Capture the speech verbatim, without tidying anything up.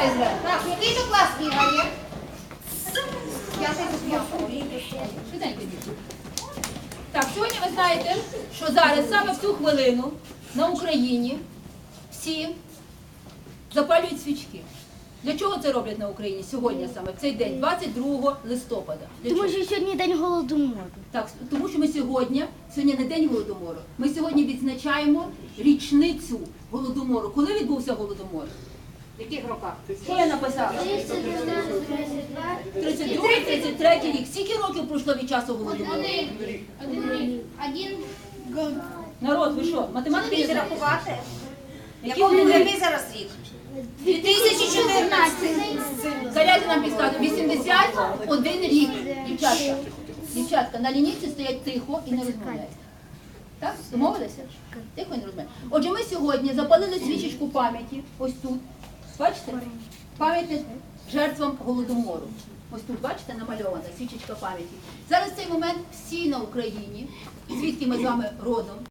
Давай, Ізра. Так, який то клас бігає? П'ятий до п'ятого. Швиденько, діти. Так, сьогодні ви знаєте, що зараз саме в цю хвилину на Україні всі запалюють свічки. Для чого це роблять на Україні сьогодні саме, в цей день, двадцять другого листопада? Для Тому чого? що сьогодні день голодомору. Так, тому що ми сьогодні, сьогодні не день Голодомору, ми сьогодні відзначаємо річницю Голодомору. Коли відбувся Голодомор? В яких роках? Що я написала? тридцять другий тридцять третій рік. Скільки років пройшло від часу Голодомору? Один. Народ, ви що, математики не Вмієте знаєте? рахувати? Які Якого вони? який зараз рік? дві тисячі чотирнадцятий. Зарядьте нам підказку. вісімдесят один рік. Дівчатка, дівчатка, на лінійці стоять тихо і не розмовляють. Так? Домовилися? Тихо і не розмовляють. Отже, ми сьогодні запалили свічечку пам'яті, ось тут. Бачите? Пам'яті жертвам Голодомору. Ось тут, бачите, намальована свічечка пам'яті. Зараз в цей момент всі на Україні, звідки ми з вами родом,